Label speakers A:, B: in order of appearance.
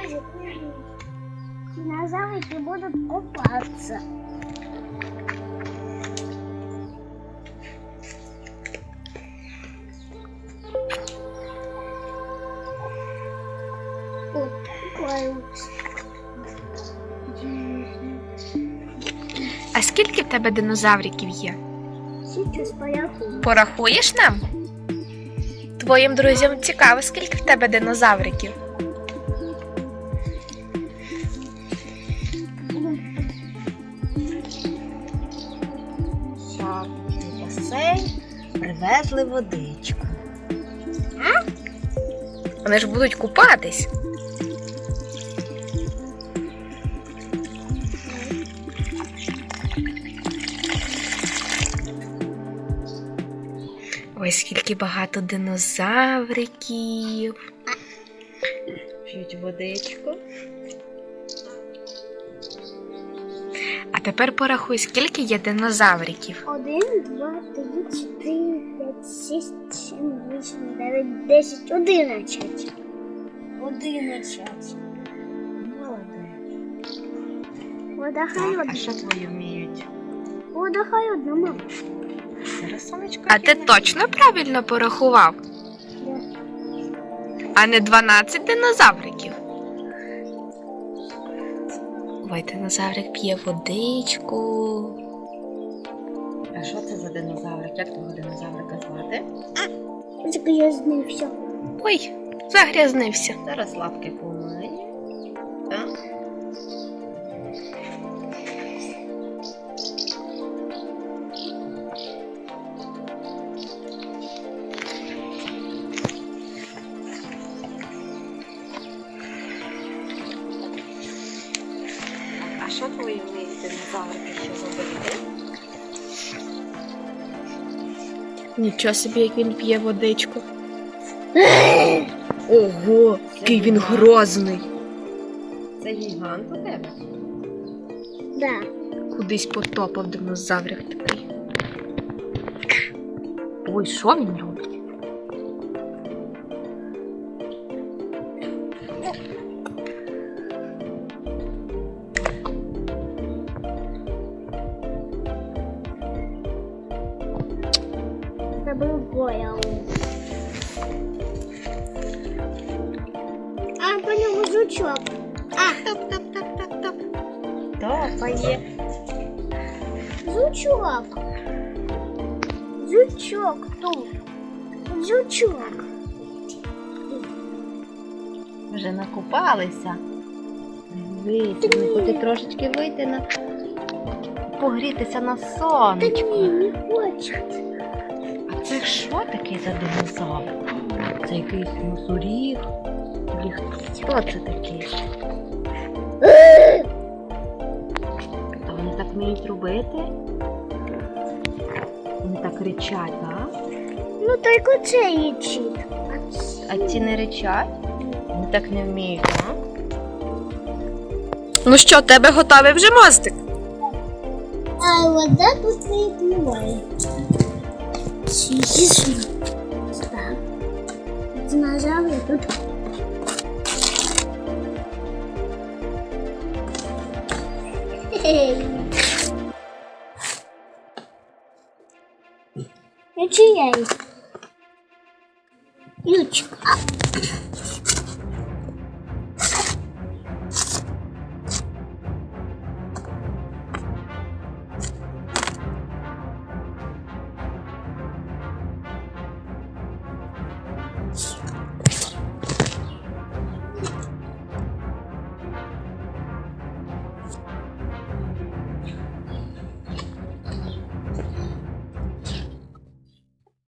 A: може динозаврики будут купаться.
B: А скільки в тебе динозавриків є?
A: Сейчас порахую.
B: Порахуєш нам? Твоїм друзям цікаво, скільки в тебе динозавриків?
C: Так, в басейн привезли водичку.
B: Вони ж будуть купатись. Ой, скільки багато динозавриків.
C: П'ють водичку.
B: А тепер порахуй, скільки є динозавриків.
A: 1, 2, 3, 4, 5, 6, 7, 8, 9, 10, 11. 11.
C: Молодець.
A: Вода
C: Так, а
A: холодна.
C: що твої вміють?
A: Вода холодна, мама.
C: Зараз сонечко.
B: А ти точно правильно порахував?
A: Да.
B: А не 12 динозавриків? Ой, динозаврик п'є водичку.
C: А що це за динозаврик? Як того динозаврика звати?
A: Загрязнився.
B: Ой, загрязнився.
C: Зараз лапки помиє. Так. А що твої вміють динозаврики ще робити?
B: Нічого собі, як він п'є водичку. Ого, який він грозний.
C: Це гігант у тебе?
A: Да.
B: Кудись потопав динозаврик такий. Ой, що він робить?
A: Це був боял. А, по ньому жучок.
C: Топ-топ-топ-топ-топ. Топає.
A: Жучок. Жучок тут. Жучок.
C: Вже накупалися. Дивіться, вони хочуть трошечки вийти на погрітися на
A: Та
C: сонечку.
A: ні, не хочуть.
C: А це що таке за динозавр? Це якийсь носоріг? Хто це такий? А вони так вміють робити? Вони так ричать, так?
A: Ну, тільки це їчить.
C: А ці не ричать? Вони так не вміють, так?
B: Ну що, тебе готовий вже мостик?
A: А вода тут не впливає. Сіжу. Так. Динозаври тут. Чия? Ключик.